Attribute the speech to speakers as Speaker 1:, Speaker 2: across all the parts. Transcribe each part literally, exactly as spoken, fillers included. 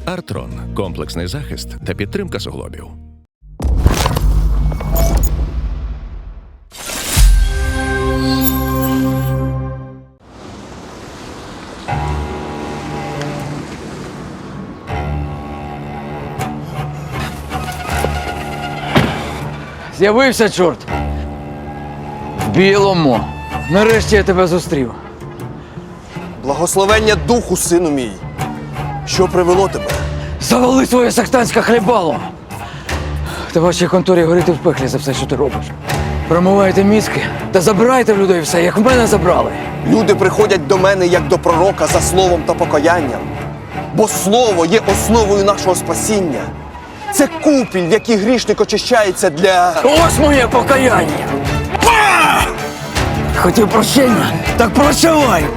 Speaker 1: Артрон – комплексний захист та підтримка суглобів.
Speaker 2: З'явився, чорт. В білому. Нарешті я тебе зустрів.
Speaker 3: Благословення духу, сину мій. Що привело тебе?
Speaker 2: Завали своє сектантське хлібало. Та вашій конторі горіти в пеклі за все, що ти робиш. Промивайте мізки та забирайте в людей все, як в мене забрали.
Speaker 3: Люди приходять до мене як до пророка за словом та покаянням. Бо слово є основою нашого спасіння. Це купіль, в якій грішник очищається для...
Speaker 2: Ось моє покаяння. Хотів прощення, так прощавай.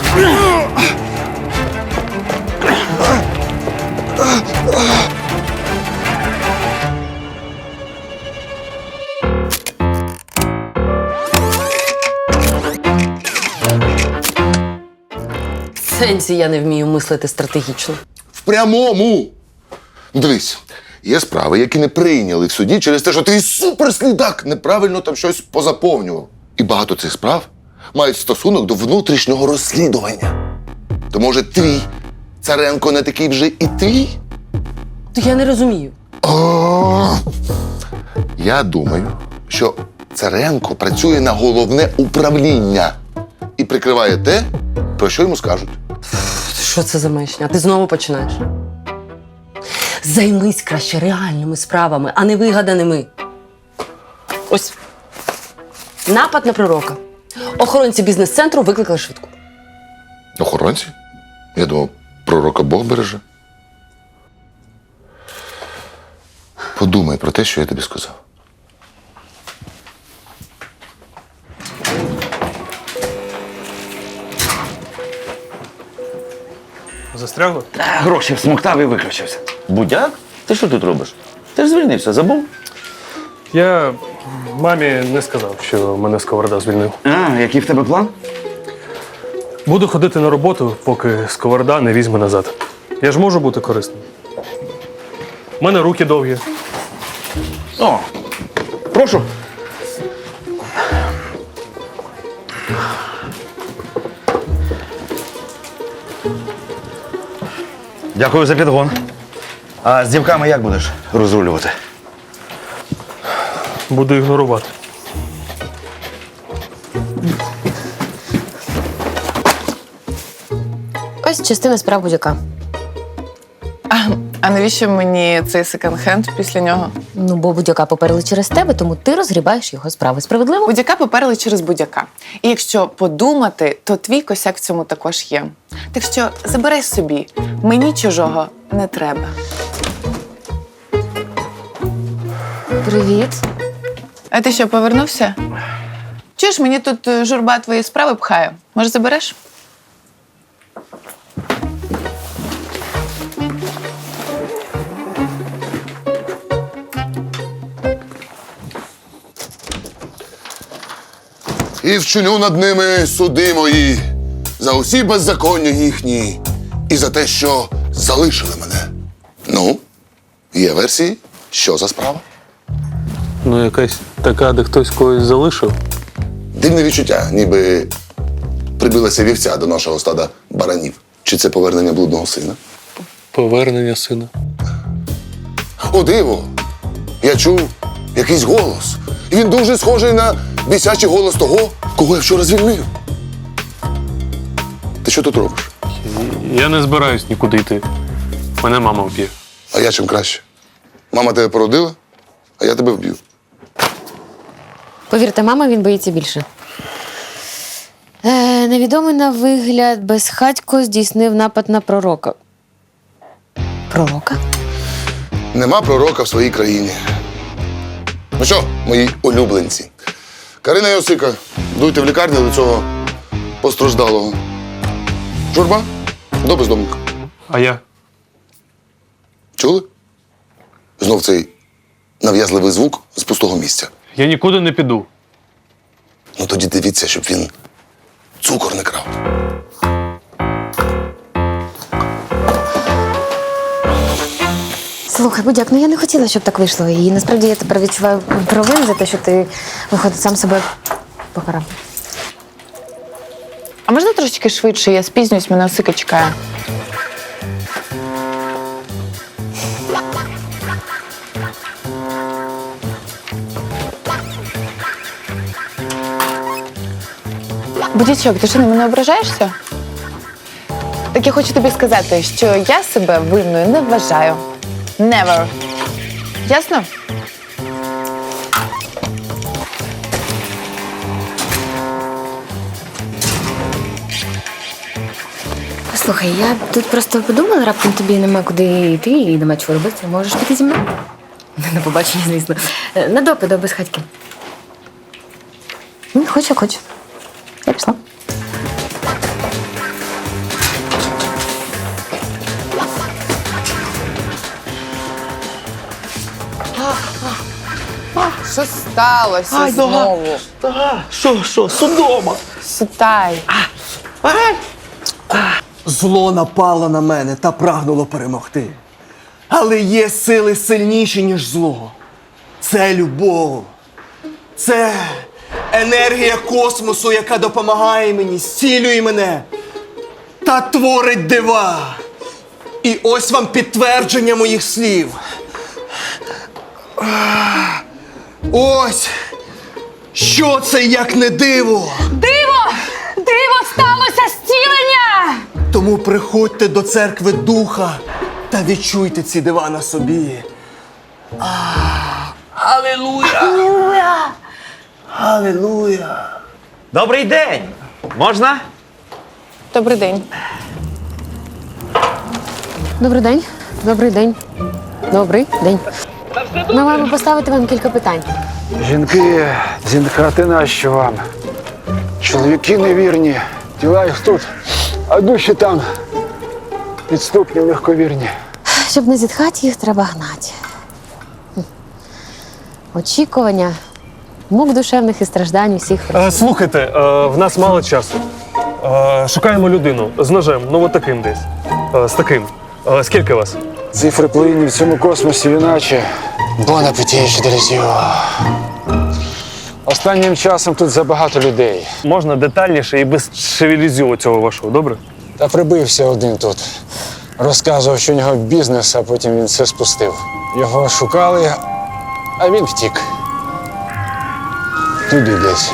Speaker 4: В сенсі я не вмію мислити стратегічно.
Speaker 5: В прямому. Дивись, є справи, які не прийняли в суді через те, що твій суперслідак неправильно там щось позаповнював. І багато цих справ мають стосунок до внутрішнього розслідування. То, може, твій Царенко не такий вже і твій?
Speaker 4: То я не розумію.
Speaker 5: О, я думаю, що Царенко працює на головне управління і прикриває те, про що йому скажуть.
Speaker 4: Що це за маячня? Ти знову починаєш. Займись краще реальними справами, а не вигаданими. Ось. Напад на пророка. Охоронці бізнес-центру викликали швидку.
Speaker 5: Охоронці? Я думав, пророка Бог береже. Подумай про те, що я тобі сказав.
Speaker 6: Застрягло?
Speaker 7: Гроші всмоктав і виключився. Будяк? Ти що тут робиш? Ти ж звільнився, забув?
Speaker 6: Я мамі не сказав, що мене Сковорода звільнив.
Speaker 7: А, який в тебе план?
Speaker 6: Буду ходити на роботу, поки Сковорода не візьме назад. Я ж можу бути корисним. У мене руки довгі.
Speaker 7: О, прошу. Дякую за підгон. А з дівками як будеш розрулювати?
Speaker 6: Буду ігнорувати.
Speaker 8: Ось частина справ будь-яка.
Speaker 9: А, а навіщо мені цей секонд-хенд після нього?
Speaker 8: Ну, бо будь-яка поперли через тебе, тому ти розгрібаєш його справи. Справедливо?
Speaker 9: Будь-яка поперли через будь-яка. І якщо подумати, то твій косяк в цьому також є. Так що забирай собі. Мені чужого не треба.
Speaker 8: Привіт.
Speaker 9: А ти що, повернувся? Чуєш, мені тут е, журба твої справи пхає. Може, забереш?
Speaker 5: І вчиню над ними суди мої за усі беззаконня їхні і за те, що залишили мене. Ну, є версії? Що за справа?
Speaker 6: Ну, якась така, де хтось когось залишив.
Speaker 5: Дивне відчуття, ніби прибилася вівця до нашого стада баранів. Чи це повернення блудного сина?
Speaker 6: Повернення сина.
Speaker 5: О, диво! Я чув якийсь голос. І він дуже схожий на бісячий голос того, кого я вчора звільнив. Ти що тут робиш?
Speaker 6: Я не збираюсь нікуди йти. Мене мама вб'є.
Speaker 5: А я чим краще? Мама тебе породила, а я тебе вб'ю.
Speaker 8: Повірте, мама, він боїться більше. Е, невідомий на вигляд безхатько здійснив напад на пророка. Пророка?
Speaker 5: Нема пророка в своїй країні. Ну що, мої улюбленці? Карина і Осика, дуйте в лікарню до цього постраждалого. Журба, до бездомника.
Speaker 6: А я?
Speaker 5: Чули? Знов цей нав'язливий звук з пустого місця.
Speaker 6: Я нікуди не піду.
Speaker 5: Ну тоді дивіться, щоб він цукор не крав.
Speaker 8: Слухай, Будяк, ну я не хотіла, щоб так вийшло. І насправді я тепер відчуваю провину за те, що ти, виходить, сам себе покарав.
Speaker 9: А можна трошечки швидше? Я спізнююсь, мене Осика чекає. Будячок, ти що, на мене ображаєшся? Так я хочу тобі сказати, що я себе винною не вважаю. Never. Ясно?
Speaker 8: Слухай, я тут просто подумала, раптом тобі нема куди йти і нема чого робити. Можеш піти зі мною? На побачення, звісно. На допит до безхатьки. Ну, хоч як хоч. Я пішла.
Speaker 9: Що сталося знову?
Speaker 7: Що, що, судома?
Speaker 9: Сітай.
Speaker 3: Зло напало на мене та прагнуло перемогти. Але є сили сильніші, ніж зло. Це любов. Це енергія космосу, яка допомагає мені, зцілює мене та творить дива. І ось вам підтвердження моїх слів. Ось, що це як не диво.
Speaker 10: Диво! Диво сталося зцілення!
Speaker 3: Тому приходьте до церкви Духа та відчуйте ці дива на собі. Алілуя! Алілуя!
Speaker 7: Добрий день! Можна?
Speaker 9: Добрий день.
Speaker 8: Добрий день. Добрий день. Добрий день. Ми маємо поставити вам кілька питань.
Speaker 2: Жінки, зінхати нащо вам? Чоловіки невірні, тіла їх тут, а душі там підступні, легковірні.
Speaker 8: Щоб не зітхати, їх треба гнати. Хм. Очікування, мук душевних і страждань усіх.
Speaker 6: Е, слухайте, е, в нас мало часу. Е, шукаємо людину з ножем, ну от таким десь. Е, з таким. Е, скільки вас?
Speaker 2: Цифри плинні в цьому космосі іначе. Бон апетіч, делізіо. Останнім часом тут забагато людей.
Speaker 6: Можна детальніше і без шевелізю цього вашого, добре?
Speaker 2: Та прибився один тут. Розказував, що у нього бізнес, а потім він все спустив. Його шукали, а він втік. Туди десь.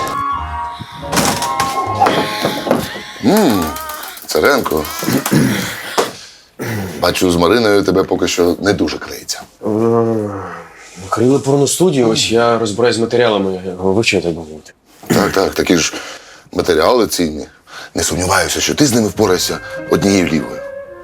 Speaker 5: Царенко. Бачу, з Мариною тебе поки що не дуже клеїться.
Speaker 11: Крили порностудію, ось я розбираюсь з матеріалами, вивчаю, так би мовити.
Speaker 5: Так, так, такі ж матеріали цінні. Не сумніваюся, що ти з ними впораєшся однією лівою.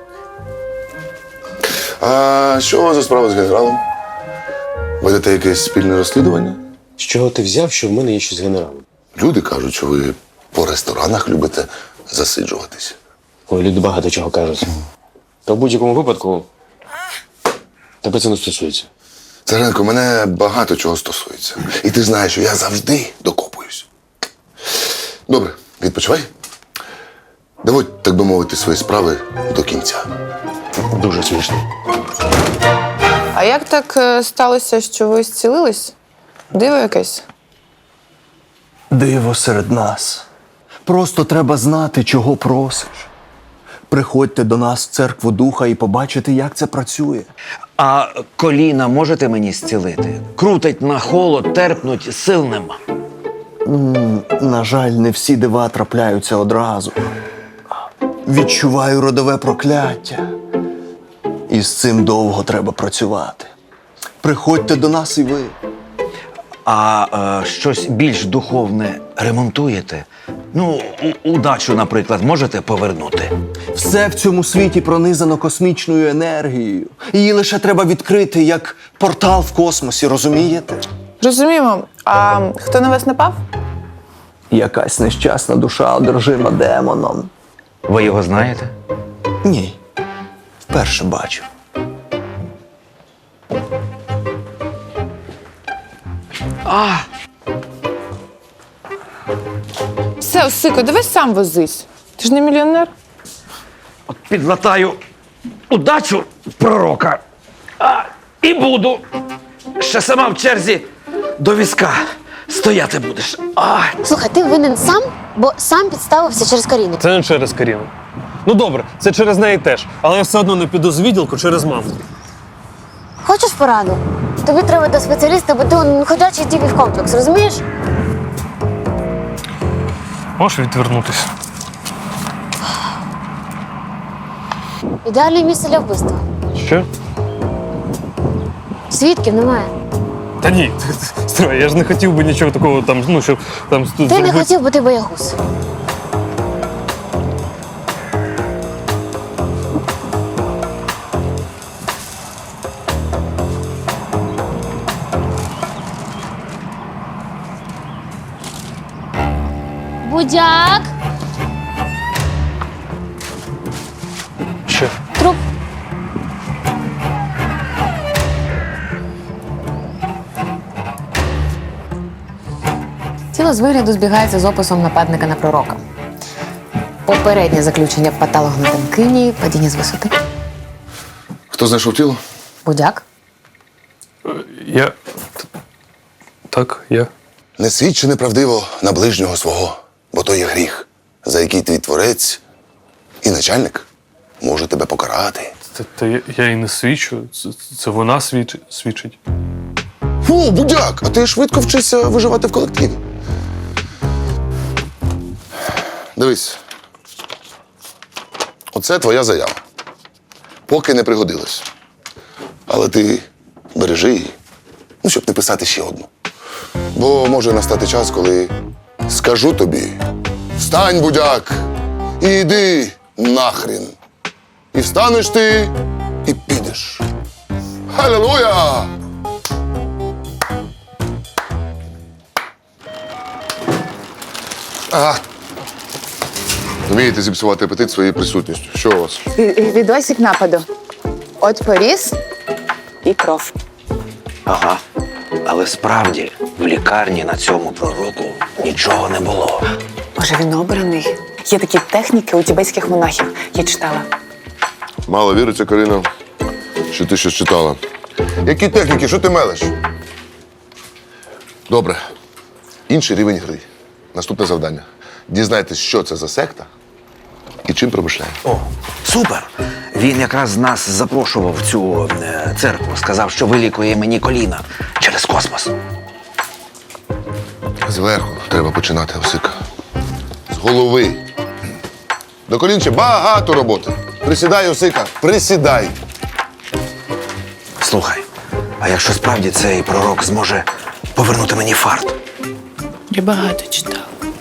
Speaker 5: А що за справа з генералом? Ведете якесь спільне розслідування?
Speaker 11: З чого ти взяв, що в мене є щось з генералом?
Speaker 5: Люди кажуть, що ви по ресторанах любите засиджуватись.
Speaker 11: Ой, люди багато чого кажуть. Та в будь-якому випадку тебе це не стосується.
Speaker 5: Царенко, мене багато чого стосується. І ти знаєш, що я завжди докопуюсь. Добре, відпочивай. Доводь, так би мовити, свої справи до кінця.
Speaker 11: Дуже смішно.
Speaker 9: А як так е, сталося, що ви зцілились? Диво якесь?
Speaker 3: Диво серед нас. Просто треба знати, чого просиш. Приходьте до нас в церкву Духа і побачите, як це працює.
Speaker 12: А коліна можете мені зцілити? Крутить на холод, терпнуть, сил нема.
Speaker 3: На жаль, не всі дива трапляються одразу. Відчуваю родове прокляття. І з цим довго треба працювати. Приходьте до нас і ви.
Speaker 12: А е, щось більш духовне ремонтуєте? Ну, у- удачу, наприклад, можете повернути?
Speaker 3: Все в цьому світі пронизано космічною енергією. Її лише треба відкрити, як портал в космосі, розумієте?
Speaker 9: Розуміємо. А хто на вас напав?
Speaker 3: Якась нещасна душа одержима демоном.
Speaker 12: Ви його знаєте?
Speaker 3: Ні. Вперше бачу.
Speaker 9: Все, Осико, давай сам возись. Ти ж не мільйонер.
Speaker 12: От підлатаю удачу пророка, а І буду. Ще сама в черзі до візка стояти будеш. Ай.
Speaker 8: Слухай, ти винен сам, бо сам підставився через Каріну.
Speaker 6: Це не через Каріну. Ну добре, це через неї теж. Але я все одно не піду з відділку через маму.
Speaker 8: Хочеш пораду? Тобі треба до спеціаліста, бо ти он ходячий тільки в комплекс, розумієш?
Speaker 6: Можеш відвернутися?
Speaker 8: Ідеальне місце для вбивства.
Speaker 6: Що?
Speaker 8: Свідків немає.
Speaker 6: Та ні, стривай, я ж не хотів би нічого такого там, ну, щоб там
Speaker 8: Ти не хотів, бо ти боягуз. Будяк!
Speaker 6: Що?
Speaker 8: Труп.
Speaker 9: Тіло з вигляду збігається з описом нападника на пророка. Попереднє заключення патологоанатомкині, падіння з висоти.
Speaker 5: Хто знайшов тіло?
Speaker 9: Будяк.
Speaker 6: Я. Так, я.
Speaker 5: Не свідчи неправдиво на ближнього свого, бо то є гріх, за який твій творець і начальник може тебе покарати.
Speaker 6: Та, та я, я і не свідчу. Це, це вона свідч, свідчить.
Speaker 5: Фу, будяк, а ти швидко вчишся виживати в колективі. Дивись. Оце твоя заява. Поки не пригодилась. Але ти бережи її, ну, щоб не писати ще одну. Бо може настати час, коли скажу тобі: встань, будяк, і йди нахрін. І встанеш ти, і підеш. Халилуя! Ага. Вмієте зіпсувати апетит своєю присутністю. Що у вас?
Speaker 9: Відосик нападу. От поріз і кров.
Speaker 12: Ага. Але справді в лікарні на цьому пророку нічого не було.
Speaker 9: Може, він обраний? Є такі техніки у тібетських монахів. Я читала.
Speaker 5: Мало віриться, Карина, що ти щось читала. Які техніки? Що ти мелеш? Добре. Інший рівень гри. Наступне завдання. Дізнайтесь, що це за секта і чим промишляє.
Speaker 12: О, супер! Він якраз нас запрошував в цю е, церкву. Сказав, що вилікує мені коліна через космос.
Speaker 5: Зверху треба починати, Осика. З голови. До колін ще багато роботи. Присідай, Осика, присідай.
Speaker 12: Слухай, а якщо справді цей пророк зможе повернути мені фарт?
Speaker 9: Я багато читала.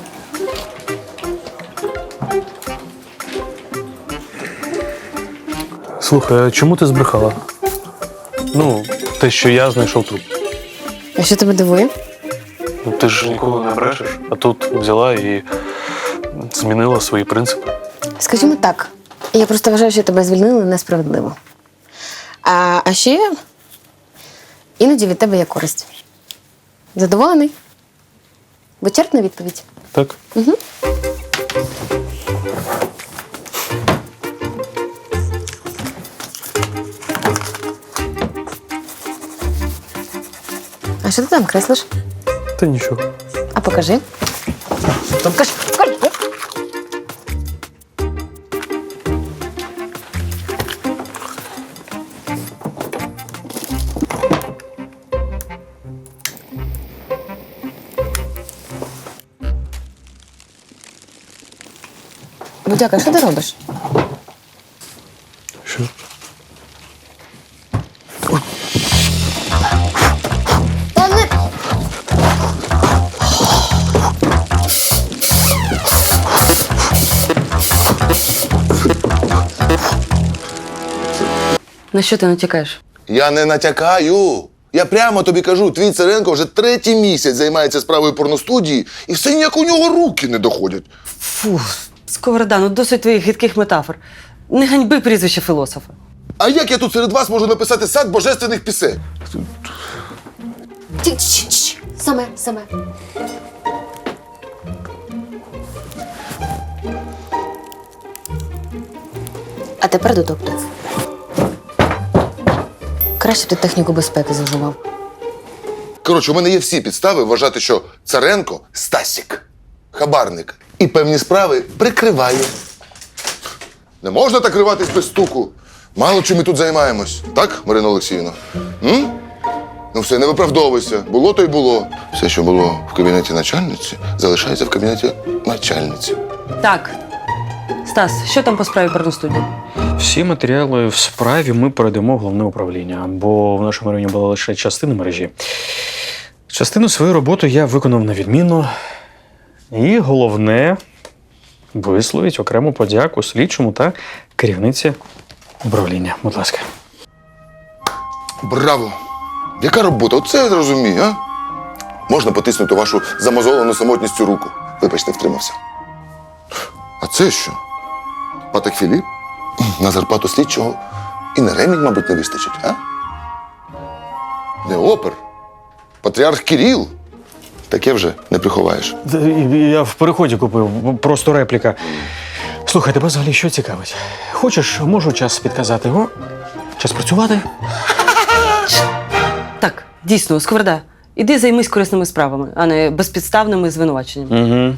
Speaker 6: Слухай, а чому ти збрехала? Ну, те, що я знайшов труп.
Speaker 8: А що тебе дивує?
Speaker 6: Ну, ти ж ніколи не брешеш, а тут взяла і змінила свої принципи.
Speaker 8: Скажімо так, я просто вважаю, що тебе звільнили несправедливо. А, а ще іноді від тебе є користь. Задоволений? Вичерпна відповідь.
Speaker 6: Так?
Speaker 8: Угу. А що ти там креслиш?
Speaker 6: Та нічого.
Speaker 8: А покажи. Покажи, покажи. Будяка, що ти робиш?
Speaker 6: Що?
Speaker 8: Та не...
Speaker 4: На що ти натякаєш?
Speaker 5: Я не натякаю. Я прямо тобі кажу, твій Царенко вже третій місяць займається справою порностудії, і все ніяк у нього руки не доходять.
Speaker 4: Фу, Сковорода, ну досить твоїх гидких метафор. Не ганьби прізвище філософа.
Speaker 5: А як я тут серед вас можу написати сад божественних пісень?
Speaker 8: Ті- чш, чш. Саме, саме. А тепер до доктора. Краще б ти техніку безпеки зажував.
Speaker 5: Коротше, у мене є всі підстави вважати, що Царенко – Стасік, хабарник. І певні справи прикриває. Не можна так риватись без стуку. Мало чим ми тут займаємось. Так, Марина Олексіївна? М? Ну все, не виправдовуйся. Було то й було. Все, що було в кабінеті начальниці, залишається в кабінеті начальниці.
Speaker 4: Так. Стас, що там по справі порностудії?
Speaker 11: Всі матеріали в справі ми передамо в головне управління, бо в нашому районі була лише частина мережі. Частину своєї роботи я виконав на відмінно. І головне висловить окрему подяку слідчому та керівниці управління. Будь ласка.
Speaker 5: Браво! Яка робота? Оце я зрозумію, а? Можна потиснути вашу замозолену самотністю руку. Вибачте, втримався. А це що? Патек Філіп? На зарплату слідчого і на ремінь, мабуть, не вистачить, а? Не опер. Патріарх Кирил. Таке вже не приховаєш.
Speaker 11: Я в переході купив, просто репліка. Слухай, тебе взагалі що цікавить? Хочеш, можу час підказати. О, час працювати?
Speaker 4: Так, дійсно, Сковорода, іди займись корисними справами, а не безпідставними звинуваченнями.
Speaker 11: Угу.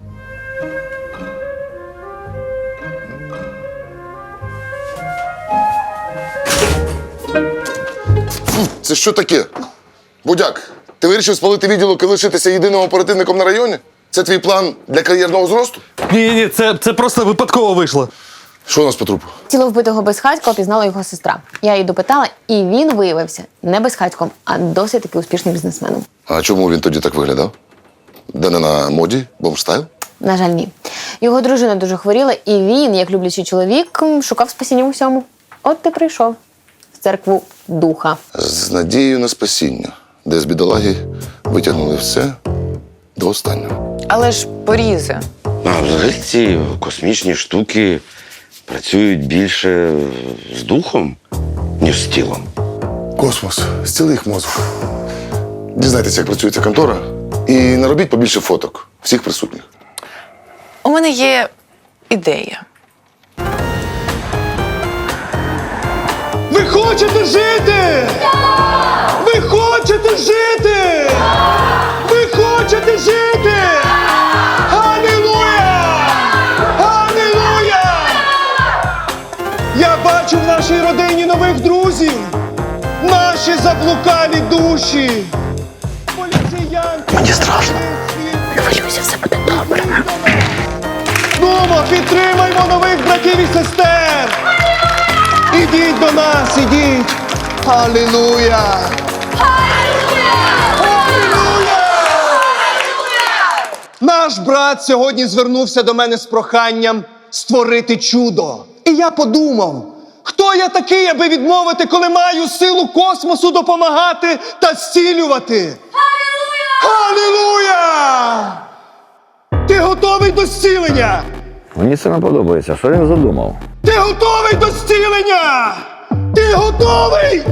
Speaker 5: Це що таке? Будяк, ти вирішив спалити відділок і лишитися єдиним оперативником на районі? Це твій план для кар'єрного зросту?
Speaker 6: Ні, ні, це, це просто випадково вийшло.
Speaker 5: Що у нас по трупу?
Speaker 8: Тіло вбитого безхатька опізнала його сестра. Я її допитала, і він виявився не безхатьком, а досить таки успішним бізнесменом.
Speaker 5: А чому він тоді так виглядав? Де не на моді? Бомштайл?
Speaker 8: На жаль, ні. Його дружина дуже хворіла, і він, як люблячий чоловік, м, шукав спасіння в усьому. От ти прийшов в церкву духа.
Speaker 5: З надією на спасіння, де з бідолаги витягнули все до останнього.
Speaker 9: Але ж порізи.
Speaker 7: А взагалі ці космічні штуки працюють більше з духом, ніж з тілом.
Speaker 5: Космос, зціли їх мозок. Дізнайтеся, як працює ця контора, і наробіть побільше фоток всіх присутніх.
Speaker 9: У мене є ідея.
Speaker 3: Ви хочете жити? Ви хочете жити? Ви хочете жити? Алілуя! Алілуя! Я бачу в нашій родині нових друзів. Наші заблукалі душі. Поліціянти. Мені страшно.
Speaker 8: Не хвилюйся, все буде добре.
Speaker 3: Нумо, підтримаймо нових братів і сестер. Ідіть до нас, ідіть. Алілуя! Наш брат сьогодні звернувся до мене з проханням створити чудо. І я подумав, хто я такий, аби відмовити, коли маю силу космосу допомагати та зцілювати? Алілуя! Ти готовий до зцілення?
Speaker 13: Мені це не подобається. Що він задумав?
Speaker 3: Ти готовий до зцілення? Ти готовий?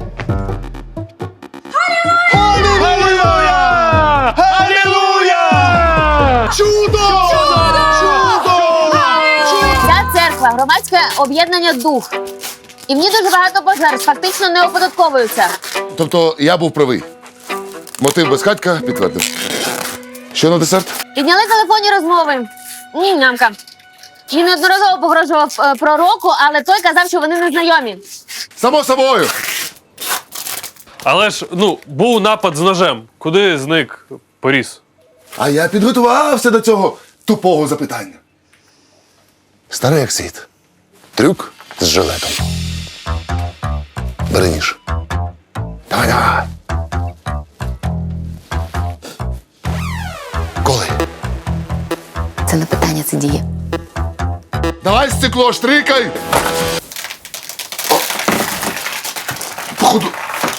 Speaker 3: Алілуя! Алілуя! Чудо! Чудо!
Speaker 8: Ця церква – громадське об'єднання «Дух». І в ній дуже багато пожертв фактично не оподатковуються.
Speaker 5: Тобто я був правий. Мотив безхатька підтвердив. Що на десерт?
Speaker 8: Підняли телефонні розмови. Ні, нямка. Він неодноразово погрожував е, пророку, але той казав, що вони не знайомі.
Speaker 5: Само собою!
Speaker 6: Але ж, ну, був напад з ножем. Куди зник поріз?
Speaker 5: А я підготувався до цього тупого запитання. Старий як світ. Трюк з жилетом. Бери ніж. Давай, давай. Коли?
Speaker 8: Це не питання, це дія.
Speaker 5: Давай стекло, штрикай! О. Походу.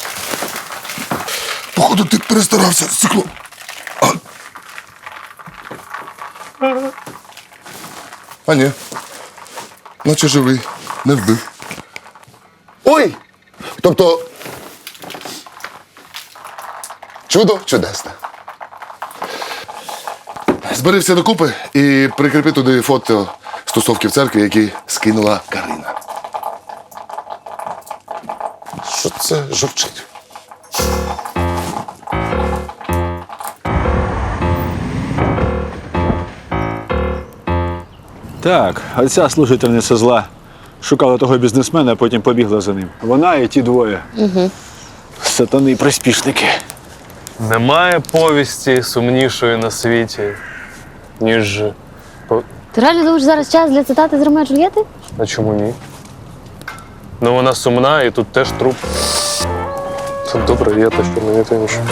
Speaker 5: Походу, ти перестарався, стекло. А, а ні. Наче живий, не вбив. Ой! Тобто. Чудо чудесне. Збери все докупи і прикріпи туди фото стосовки в церкві, які скинула Карина. Що це жовчить?
Speaker 14: Так, оця служительниця зла шукала того бізнесмена, а потім побігла за ним. Вона і ті двоє.
Speaker 8: Угу.
Speaker 14: Сатани і приспішники.
Speaker 6: Немає повісті сумнішої на світі, ніж. по-
Speaker 8: Ти реально думаєш зараз час для цитати з Ромео і Джульєти?
Speaker 6: А чому ні? Ну вона сумна і тут теж труп. Це добре, є те, що мені то інше.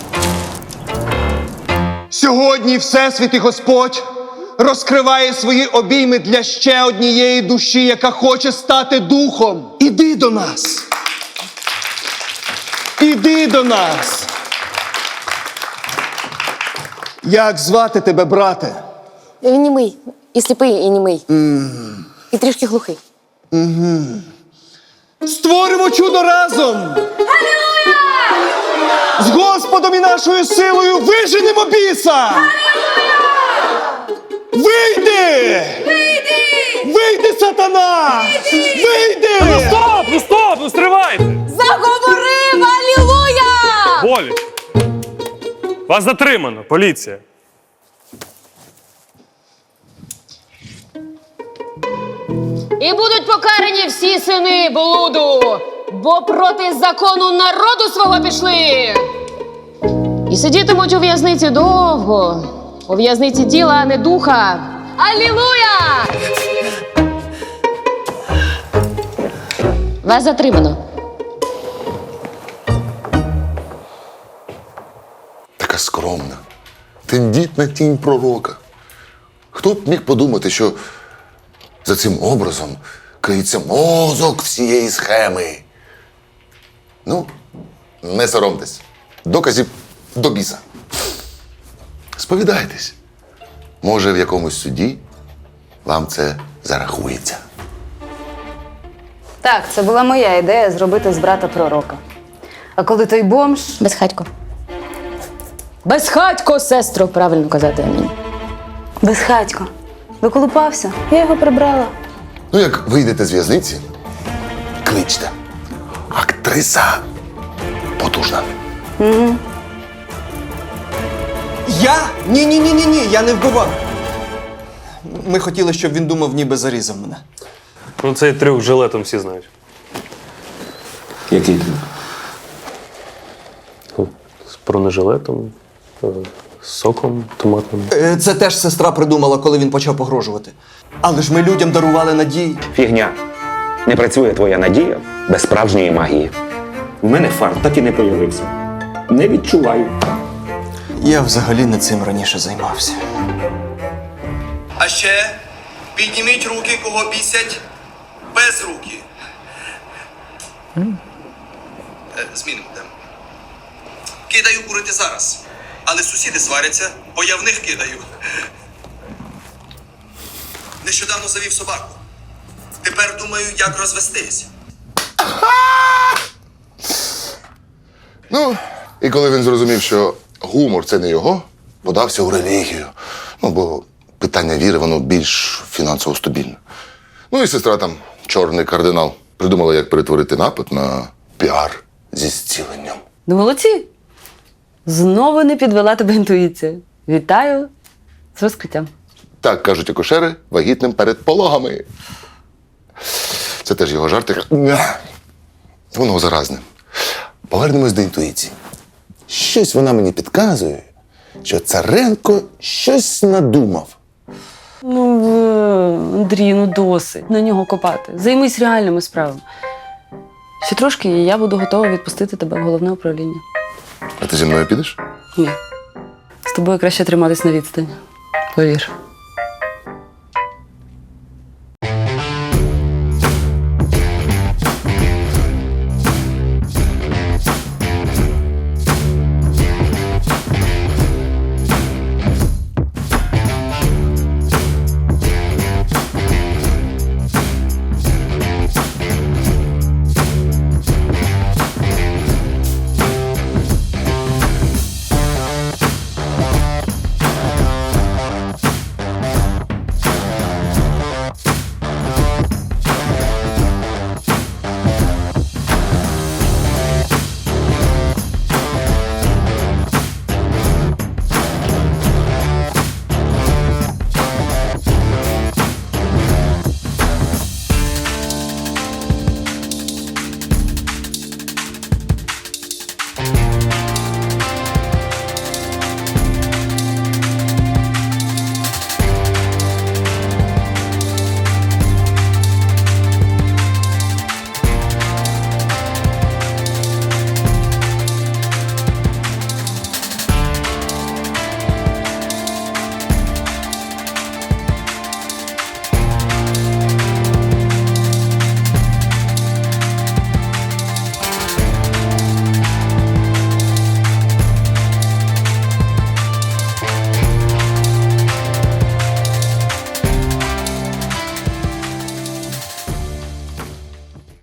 Speaker 3: Сьогодні Всесвіт і Господь розкриває свої обійми для ще однієї душі, яка хоче стати духом. Іди до нас. Іди до нас. Як звати тебе, брате?
Speaker 8: Він німий. І сліпий, і німий.
Speaker 3: Mm.
Speaker 8: І трішки глухий.
Speaker 3: Угу. Створимо чудо разом! Алілуя! З Господом і нашою силою виженемо біса! Вийди! Вийди! Вийди, сатана! Вийди!
Speaker 6: Ну стоп, ну стоп, ну стривайте!
Speaker 4: Заговорив! Алілуя!
Speaker 6: Боліч! Вас затримано, поліція.
Speaker 10: І будуть покарані всі сини блуду, бо проти закону народу свого пішли. І сидітимуть у в'язниці довго. У в'язниці тіла, а не духа. Алілуя! Вас затримано.
Speaker 5: Така скромна, тендітна тінь пророка. Хто б міг подумати, що за цим образом криється мозок всієї схеми? Ну, не соромтесь. Доказів до біса. Сповідайтесь. Може, в якомусь суді вам це зарахується.
Speaker 15: Так, це була моя ідея зробити з брата пророка. А коли той бомж.
Speaker 8: Безхатько.
Speaker 10: Безхатько, сестро, правильно казати, амінь.
Speaker 15: Безхатько. Доколупався, я його прибрала.
Speaker 5: Ну, як вийдете з в'язниці, кличте. Актриса потужна.
Speaker 15: Угу.
Speaker 3: Я? Ні-ні-ні-ні-ні, я не вбивав. Ми хотіли, щоб він думав, ніби зарізав мене.
Speaker 6: Ну цей трюк з жилетом всі знають.
Speaker 14: Який трюк?
Speaker 6: З бронежилетом, е, з соком томатним.
Speaker 3: Е, Це теж сестра придумала, коли він почав погрожувати. Але ж ми людям дарували надії.
Speaker 16: Фігня. Не працює твоя надія без справжньої магії.
Speaker 14: У мене фарт так і не появився. Не відчуваю.
Speaker 3: Я взагалі не цим раніше займався. А ще підніміть руки, кого бісять без руки. Е, Змінимо тему. Кидаю курити зараз. Але сусіди сваряться, бо я в них кидаю. Нещодавно завів собаку. Тепер думаю, як розвестись.
Speaker 5: Ну, і коли він зрозумів, що гумор це не його, подався у релігію. Ну, бо питання віри, воно більш фінансово стабільне. Ну і сестра там, чорний кардинал, придумала, як перетворити напад на піар зі зціленням.
Speaker 4: Ну, молодці. Знову не підвела тебе інтуїція. Вітаю з розкриттям.
Speaker 5: Так кажуть акушери вагітним перед пологами. Це теж його жартик. Воно заразне. Повернемось до інтуїції. Щось вона мені підказує, що Царенко щось надумав.
Speaker 4: Ну, е, Андрій, ну досить на нього копати. Займись реальними справами. Ще трошки, і я буду готова відпустити тебе в головне управління.
Speaker 5: А ти зі мною підеш?
Speaker 4: Ні. З тобою краще триматись на відстані. Повір.